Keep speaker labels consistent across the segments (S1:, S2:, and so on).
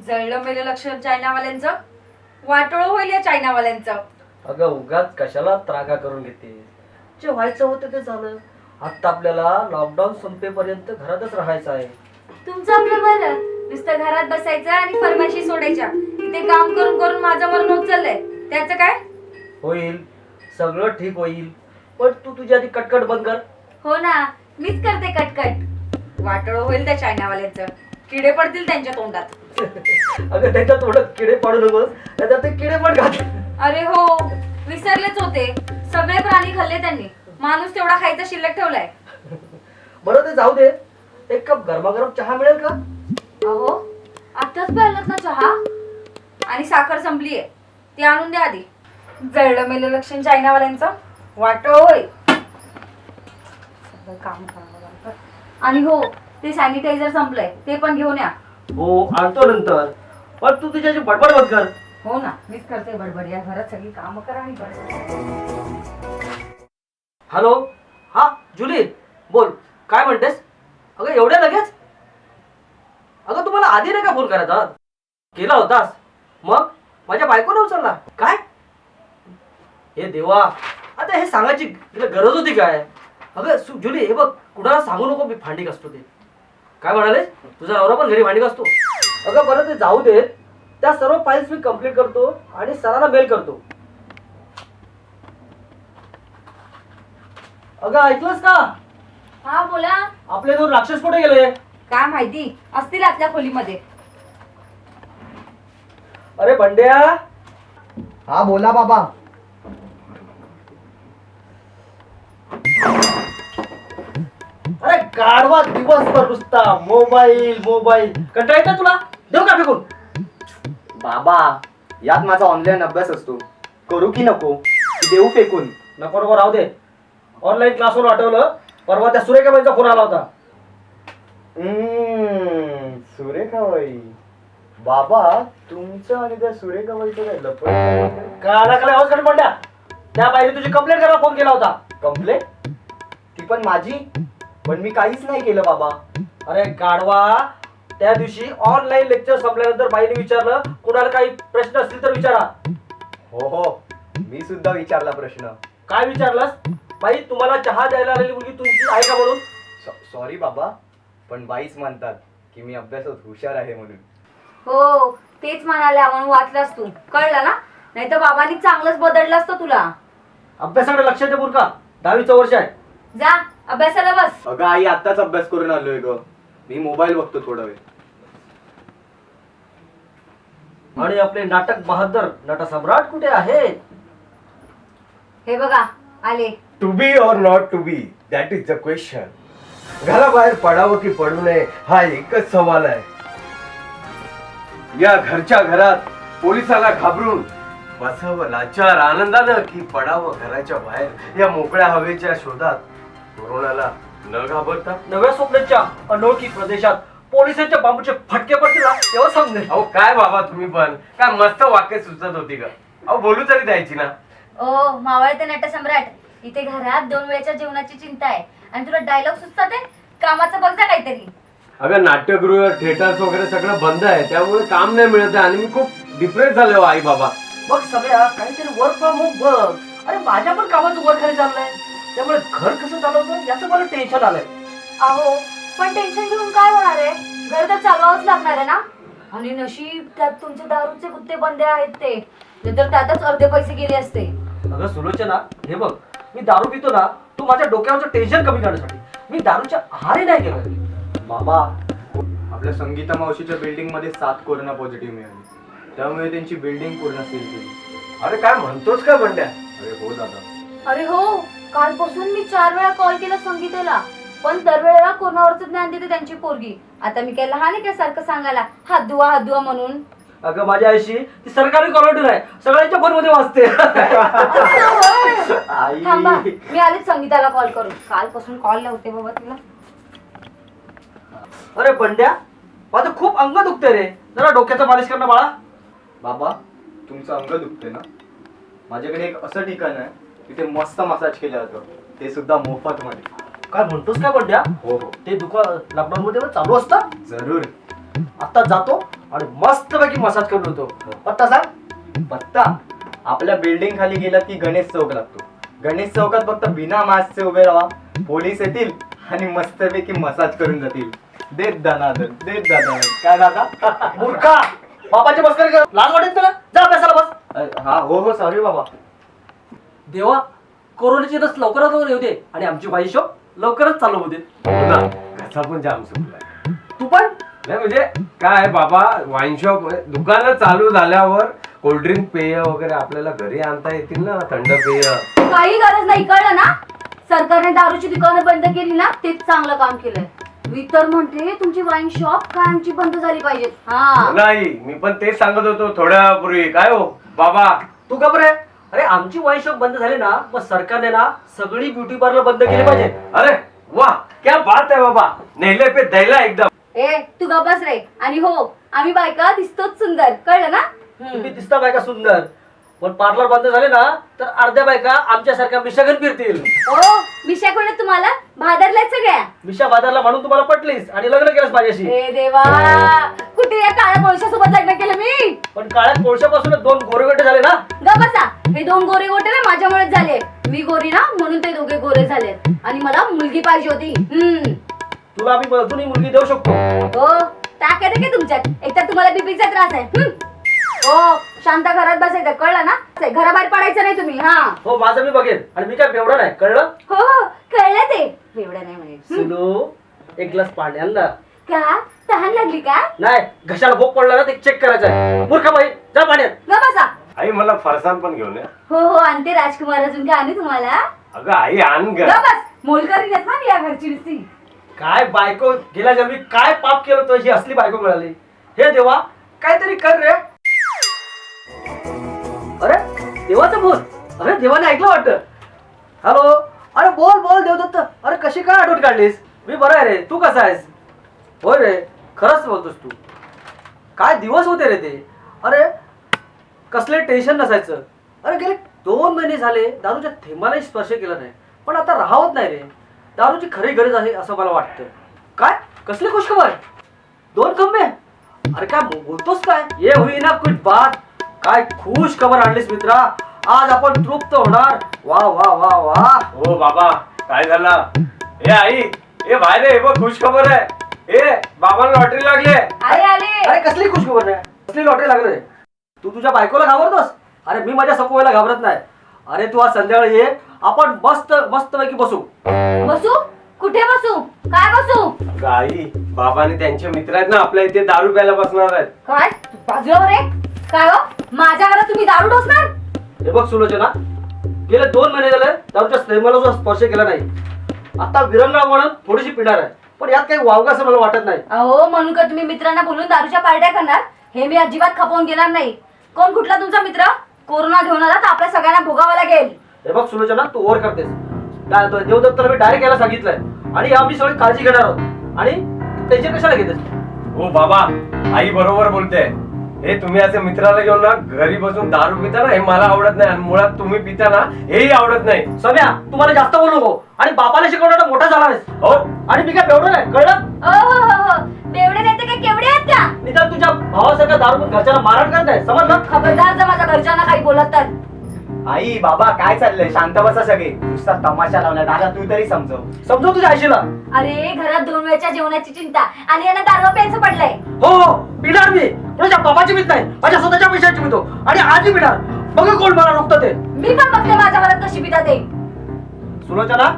S1: जळलं मेलं लक्ष चायनावाल्यांचं, वाटोळ होईल या चायनावाल्यांचं.
S2: अगं उगाच कशाला त्रागा करून घेते, जे व्हायचं होतं ते झालं. आता आपल्याला लॉकडाऊन संपेपर्यंत घरातच राहायचं आहे.
S1: तुमचं आपलं बरं, नुसतं घरात बसायचं आणि फरमाशी सोडायच्या. इथे काम करून करून माझं मरण होत चाललंय, त्याचं काय?
S2: होईल, सगळं ठीक होईल, पण तू तुझी आधी कटकट बंद कर.
S1: हो ना, मीच करते कटकट. वाटोळ होईल त्या चायनावाल्यांचं, किडे पडतील त्यांच्या तोंडात.
S2: अगं त्याच्या तोंडात किडे पाडू नकोस, त्याच्यात ते किडे पण घात.
S1: अरे हो, विसरलेच होते. सगळे प्राणी खाल्ले त्यांनी, माणूस तेवढा खायचा शिल्लक ठेवलाय.
S2: बरं ते जाऊ दे, एक कप गरमागरम चहा मिळेल का?
S1: अहो, आताच प्यायलात ना चहा, आणि साखर संपलीये, ती आणून द्या आधी. जळलं मेलं लक्षण चायनावाल्यांचं, वाटोळ होय. सगळं काम करावं लागतं. आणि हो, ते सॅनिटायझर संपलंय, ते पण घेऊन या.
S2: हो आणतो नंतर, पण तू तुझ्याची बडबड बंद कर.
S1: हो ना, मीच करते बडबड. या घरात सगळी कामं करा आणि
S2: हॅलो, हा जुली बोल, काय म्हणतेस? अगं एवढ्या लगेच? अगं तुम्हाला आधी नाही का फोन करायचा? केला होतास, मग माझ्या बायकोने उचलला काय? हे देवा, आता हे सांगायची तिला गरज होती काय? अगं जुली हे बघ, कुणाला सांगू नको मी भांडी घासतो ते. काय म्हणाले? तुझा नवरा पण घरी भांडी घासतो? अगं बरं ते जाऊ दे, त्या सर्व फाईल्स मी कंप्लीट करतो आणि सरांना मेल करतो. अगं ऐकलंस का?
S1: हा बोला.
S2: आपले दोन राक्षस कुठे गेले?
S1: काय माहिती, असतील आतल्या खोलीमध्ये.
S2: अरे बंड्या.
S3: हा बोला बाबा.
S2: अरे गाढवा दिवसभर नुसता मोबाईल मोबाईल, कंटाळा येतो तुला? देऊ का फेकून?
S3: बाबा यात माझा ऑनलाईन अभ्यास असतो, करू की नको? देऊ फेकून?
S2: नको नको राहू दे. ऑनलाईन क्लासवर आठवलं, परवा त्या सुरेखाबाईंचा फोन आला होता.
S3: सुरेखाबाई. बाबा तुमचं आणि त्या सुरेखाबाईचं काय लपड?
S2: कानाखाली आवाज काढून बंड्या, त्या बाईने तुझी कंप्लेंट करायला फोन केला होता.
S3: कंप्लेंट? ती पण माझी? पण मी काहीच नाही केलं बाबा.
S2: अरे गाढवा, त्या दिवशी ऑनलाईन लेक्चर संपल्यानंतर बाईने विचारलं, कुणाला काही प्रश्न असतील तर विचारा.
S3: हो हो, मी सुद्धा विचारला प्रश्न.
S2: काय विचारलास? बाई तुम्हाला चहा द्यायला आलेली मुलगी तुमची आहे का म्हणून?
S3: सॉरी बाबा, पण बाईच म्हणतात की मी अभ्यासात हुशार आहे म्हणून.
S1: हो, तेच म्हणाल्या म्हणून वाचलास तू, कळलं ना? नाही तर बाबांनी चांगलंच बदललं असतं तुला.
S2: अभ्यासाकडे लक्ष दे बुरका, 10वीचं वर्ष आहे.
S1: जा अभ्यासाला बस.
S3: अगं आई, आत्ताच अभ्यास करून आलोय ग. मी मोबाईल बघतो थोडा वेळ.
S2: आणि आपले नाटक बहादर नटसम्राट कुठे आहेत?
S1: हे बघा आले.
S4: To be or not to be, that is the question. घराबाहेर पडावं की पडू नये हा एकच सवाल आहे. या घरच्या घरात पोलिसाला घाबरून बसावं लाचार आनंदानं की पडावं घराच्या बाहेर या मोकळ्या हवेच्या शोधात कोरोनाला न घाबरता?
S2: नव्या स्वप्नाच्या अनोळखी प्रदेशात पोलिसांच्या बांबूचे फटके पडतील ना, तेव्हा समजेल.
S4: अहो काय बाबा तुम्ही पण, काय मस्त वाक्य सुचत होती का? अहो बोलू तरी द्यायची ना.
S1: ओ मावळते नटसम्राट, इथे घरात 2 वेळेच्या जेवणाची चिंता आहे आणि तुला डायलॉग सुचतात आहे? कामाचं बघ जा काहीतरी.
S4: अगं नाट्यगृह थिएटर्स वगैरे सगळं बंद आहे, त्यामुळे काम नाही मिळत आहे आणि मी खूप डिप्रेस झालो आई बाबा.
S2: मग सगळ्या काहीतरी वर्क फ्रॉम होम बघ. अरे माझ्या पण कामाचं वर खाली चाललंय, त्यामुळे घर कसं चालवतं याचं मला टेन्शन आलंय.
S1: अहो पण टेन्शन घेऊन काय होणार आहे? घर तर चालवावंच लागणार आहे ना. आणि नशीब त्यात तुमचे दारूचे कुत्ते बंदे आहेत ते, नाहीतर त्यातच अर्धे पैसे गेले असते.
S2: अगं सुलोचना, हे बघ, मी दारू पितो ना, तू माझ्या डोक्यावरचं टेन्शन कमी करण्यासाठी. मी दारूच्या आहारी नाही गेलो.
S3: बाबा, आपल्या संगीता मावशीच्या बिल्डिंग मध्ये 7 कोरोना पॉझिटिव्ह मिळाले, त्यामुळे त्यांची बिल्डिंग पूर्ण सील केली.
S4: अरे काय म्हणतोस काय बंड्या?
S3: अरे हो दादा.
S1: अरे हो, कालपासून मी 4 वेळा कॉल केला संगीतेला, पण दरवेळेला कोणावरच ज्ञान देते त्यांची पोरगी. आता मी काय लहान आहे का सारखं सांगायला हात धुवा म्हणून?
S2: अगं माझ्या आईशी ती सरकारी कॉलर आहे, सगळ्यांच्या फोन मध्ये वाजते.
S3: आई.
S1: थांबा, मी आलेच संगीताला कॉल करून. कालपासून कॉल लावते बाबा तिला.
S2: अरे बंड्या, माझं खूप अंग दुखते रे, जरा डोक्याचं मालिश करणं बाळा.
S3: बाबा तुमचं अंग दुखते ना? माझ्याकडे एक असं ठिकाण आहे तिथे मस्त मसाज केलं जातं, ते सुद्धा मोफत मध्ये.
S2: काय म्हणतोस काय बंड्या?
S3: हो हो
S2: ते दुकान लॉकडाऊन मध्ये चालू असतं?
S3: जरूर.
S2: आता जातो आणि मस्तपैकी मसाज करून होतो. पत्ता सांग.
S3: पत्ता आपल्या बिल्डिंग खाली गेला की गणेश चौक लागतो. गणेश चौकात फक्त बिना मास्कचे उभे राहा, पोलीस येतील आणि मस्तपैकी मसाज करून जातील. देत दानादन, देत दानादन. काय दादा?
S2: मूर्खा, बाबाची मस्करी कर. लाज वाटेल तुला? जा अभ्यासाला बस.
S3: हा हो हो सॉरी बाबा.
S2: देवा, कोरोनाची लस लवकरात लवकर येऊ दे आणि आमची वाईन शॉप लवकरच चालू होऊ दे.
S4: हो ना, घसा पण जाम सुटलाय.
S2: तू पण
S4: नाही म्हणजे काय बाबा, वाईन शॉप दुकानं चालू झाल्यावर कोल्ड्रिंक पेय वगैरे आपल्याला घरी आणता येतील ना, थंड पेय.
S1: काही गरज नाही, कळलं ना. सरकारने दारूची दुकानं बंद केली ना, तेच चांगलं काम केलंय. मी तर म्हणते तुमची वाईन शॉप कायमची बंद झाली पाहिजे. हा
S4: नाही, मी पण तेच सांगत होतो थोड्यापूर्वी. काय हो बाबा?
S2: तू घाबरे. अरे आमची वाईन शॉप बंद झाली ना, मग सरकारने ना सगळी ब्युटी पार्लर बंद केली पाहिजे.
S4: अरे वाह, क्या बात है बाबा, नेले पे दैला एकदम.
S1: ए तू गप्प बस रे. आणि हो, आम्ही बायका दिसतोच सुंदर, कळलं ना.
S2: तुम्ही दिसता बायका सुंदर, पण पार्लर बंद झाले ना तर अर्ध्या बायका आमच्यासारख्या मिशागन फिरतील.
S1: ओ मिशा कोण तुम्हाला भादरलाय सगळ्या.
S2: मिशा बाजारला म्हणून तुम्हाला पटलीस आणि लग्न केलंस माझ्याशी.
S1: ए देवा, कुठे या काळ्या कोळशासोबत लग्न केलं मी.
S2: पण काळ्या कोळशापासून 2 गोरेगोटे झाले ना.
S1: ग बसा. हे 2 गोरे गोटे ना माझ्यामुळेच झाले. मी गोरी ना म्हणून ते दोघे गोरे झाले. आणि मला मुलगी पाहिजे होती.
S2: तुला आम्ही अजूनही मुलगी देऊ शकतो.
S1: हो ताकद आहे का तुमच्यात. एकतर तुम्हाला बीपीचा त्रास आहे. हो शांत घरात बसायचं, कळलं ना. घराबाहेर पडायचं नाही तुम्ही. हा
S2: हो, माझं मी बघेन. आणि मी काय बेवडा नाही, कळलं.
S1: हो हो कळलं ते. एवढं नाही म्हणे.
S2: सुनो, एक ग्लास पाणी आण ना.
S1: का तहान लागली का.
S2: नाही, घशाला भोग पडला ना ते चेक करायचं आहे. मूर्खा बाई, जा पाण्यात.
S1: ग बसा.
S4: आई मला फरसाण पण घेऊन या.
S1: हो हो आणते राजकुमार. अजून काय आणू तुम्हाला.
S4: अगं आई आण ग.
S1: ग बस. मोलकरी ना मी या घरची नुसती.
S2: काय बायको, गेल्या जन्मी काय पाप केलं तर ही असली बायको मिळाली. हे देवा, काहीतरी कर रे. अरे देवाचा फोन. अरे देवाने ऐकलं वाटतं. हॅलो. अरे बोल बोल देवदत्त. अरे कशी काय आठवण काढलीस. मी बरा आहे रे, तू कसा आहेस. होय रे, खरंच बोलतोस तू. काय दिवस होते रे ते. अरे कसले टेन्शन नसायचं. अरे गेले 2 महिने झाले दारूच्या थेंबालाही स्पर्श केला नाही. पण आता राहत नाही रे. दारूची खरी गरज आहे असं मला वाटतं. काय कसली खुशखबर. 2 खंबे. अरे काय बोलतोस काय. ये हुई ना कुछ बात. काय खुश खबर आणलीस मित्रा. आज आपण तृप्त होणार. वा वा वा वा.
S4: हो बाबा, काय झालं. ए आई, ए बाहेर ये, बघ खुश खबर आहे. ए बाबांना लॉटरी लागली.
S1: आले आले.
S2: अरे कसली खुशखबर नाही, कसली लॉटरी लागली रे. तू तुझ्या बायकोला घाबरतोस. अरे मी माझ्या सकोला घाबरत नाही. अरे तू आज संध्याकाळी ये, आपण मस्त मस्त पैकी बसू.
S1: बसू. कुठे बसू. काय बसू.
S4: अगं आई, बाबाने त्यांचे मित्र आहेत ना आपल्या इथे दारू प्यायला बसणार आहेत.
S1: काय बाजूला रे. काय हो माझ्या घरात तुम्ही दारू ढोसणार.
S2: हे बघ सुलोचना, गेले 2 महिने झाले दारूच्या स्नेहाला जो स्पर्श केला नाही. आता विरंगाळ म्हणून थोडीशी पिणार आहे, पण यात काही वावगा असं मला वाटत नाही.
S1: अहो म्हणून का तुम्ही मित्रांना बोलून दारूच्या पार्ट्या करणार. हे मी अजिबात खपवून घेणार नाही. कोण कुठला तुमचा मित्र. कोरोना घेऊन आला तर आपल्या सगळ्यांना भोगावं लागेल.
S2: हे बघ सुलोचना, तू ओव्हर करतेस. काय होतं, देवदत्ताला मी डायरेक्ट यायला सांगितलंय आणि आम्ही सगळी काळजी घेणार आहोत. आणि टेन्शन कशाला घेतेस.
S4: हो बाबा, आई बरोबर बोलते. हे तुम्ही असे मित्राला घेऊन ना घरी बसून दारू पिता ना, हे मला आवडत नाही. आणि मुळात तुम्ही पिता ना, हेही आवडत नाही.
S2: सम्या, तुम्हाला जास्त बोलू नको. आणि बापाला शिकवणार मोठा झाला आहेस.
S4: हो.
S2: आणि मी काय बेवडं नाही, कळलं.
S1: हो बेवडे नाही तर काय केवढे आहेत का.
S2: निदान तुझ्या भावासारखा दारू पण घरच्याला मारण करत नाही, समजलं.
S1: खबरदार जर माझ्या घरच्यांना काही बोलत तर.
S3: आई बाबा काय चाललंय. शांत बसा सगळे. नुसता तमाशा लावलाय. दादा तू तरी समजव.
S2: समजव तुझ्या आईशीला.
S1: अरे घरात 2 वेळच्या जेवणाची चिंता आणि यांना दारू प्यायचं पडलंय.
S2: हो पिणार मी. तुझ्या बाबाची भीत नाही, माझ्या स्वतःच्या पैशाची भीतो. आणि आजही पिणार. बघ कोण मला रोखतं ते.
S1: मी पण बघते माझ्या घरात कशी पितात ते.
S2: सुलोचना,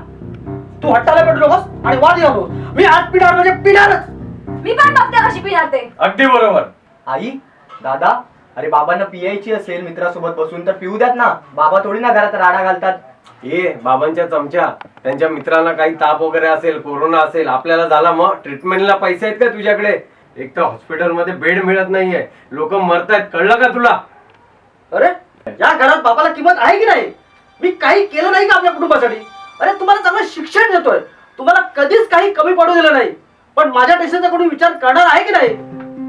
S2: तू हट्टाला पेटू नकोस आणि वाद घालू. मी आज पिणार म्हणजे पिणारच.
S1: मी पण बघते कशी पिणार ते.
S4: अगदी बरोबर.
S3: आई दादा, अरे बाबांना पियायची असेल मित्रासोबत बसून तर पिऊ द्यात ना. बाबा थोडी ना घरात राडा घालतात.
S4: ए बाबांच्या चमच्या, त्यांच्या मित्रांना काही ताप वगैरे असेल, कोरोना असेल, आपल्याला झाला, मग ट्रीटमेंटला पैसे आहेत का तुझ्याकडे. एक तर हॉस्पिटलमध्ये बेड मिळत नाहीये, लोक मरतायत, कळलं का तुला.
S2: अरे या घरात बापाला किंमत आहे की नाही. मी काही केलं नाही का आपल्या कुटुंबासाठी. अरे तुम्हाला चांगलं शिक्षण देतोय, तुम्हाला कधीच काही कमी पडू दिलं नाही. पण माझ्या टेन्शनचा कोणी विचार करणार आहे की नाही.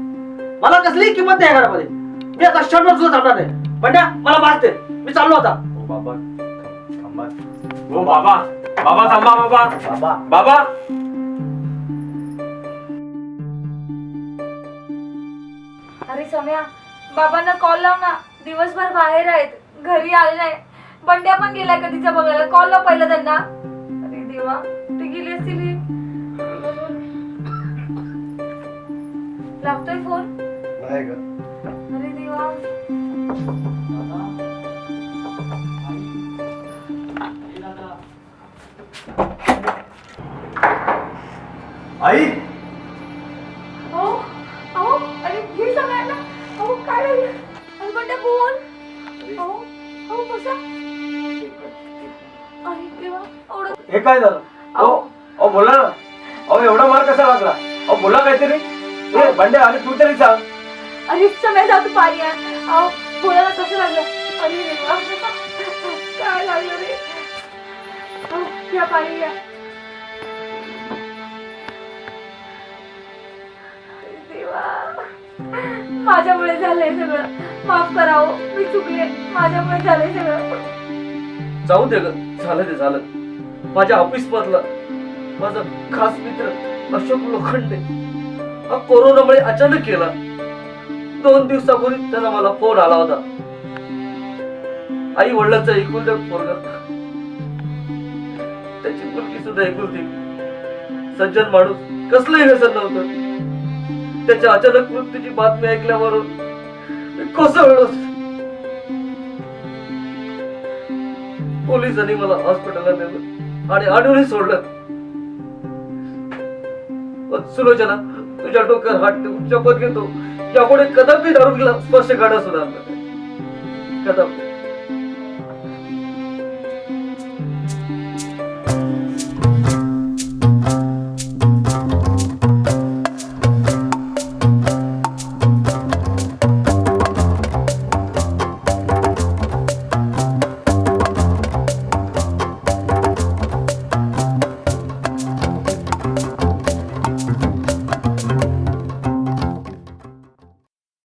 S2: मला कसलीही किंमत नाही या घरामध्ये. मी आता क्षणभर सुद्धा थांबणार नाही. पण मला मारते. मी चाललो आता.
S3: हो बाबा थांबा.
S4: हो बाबा, बाबा थांबा. बाबा
S3: बाबा
S4: बाबा.
S1: अरे सम्या, बाबांना कॉल लाव ना, दिवसभर बाहेर आहेत, घरी आले नाही. बंड्या पण गेलाय कधीचा बघायला, कॉल लाव पहिला त्यांना. अरे देवा, ते गेले असतील हे. लागतोय फोन.
S4: नाही ग.
S1: अरे देवा.
S3: आई
S1: अहो, अहो, अरे घे सगळ्यांना. अहो, काय झालं? अरे बंड्या बोल. अहो, अहो, बसा. अरे देवा, एवढं.
S4: हे काय झालं? अहो अहो बोला ना. अहो एवढा मार कसा लागला? अहो बोला काहीतरी. ए बंड्या, आणि तू तरी सांग.
S1: अरे समय जातो पाणी आहे. अहो, बोलायला कसं लागलं? अरे देवा, काय लागलं रे? अहो, घ्या पाणी घ्या. अरे देवा, माझ्यामुळे झालंय सगळं. माफ करावं, मी चुकले. माझ्यामुळे झालंय सगळं.
S2: जाऊ दे ग, झालं ते झालं. माझ्या ऑफिस मधला माझा खास मित्र अशोक लोखंडे हा कोरोनामुळे अचानक गेला. 2 दिवसापूर्वी त्याचा मला फोन आला होता. आई वडिलांचा एकुलता पोरगा, त्याची मुलगी सुद्धा एकुलती. सज्जन माणूस, कसलंही व्यसन नव्हतं. त्याच्या अचानक मृत्यूची बातमी ऐकल्यावर मी कोसळलो. पोलिसांनी मला हॉस्पिटलला नेलं आणि आणूनही सोडलं. पण सुलोचना, तुझ्या डोक्यावर हात ठेवून शपथ घेतो, यापुढे कदापि दारूला स्पर्श काढा सुद्धा कदापि.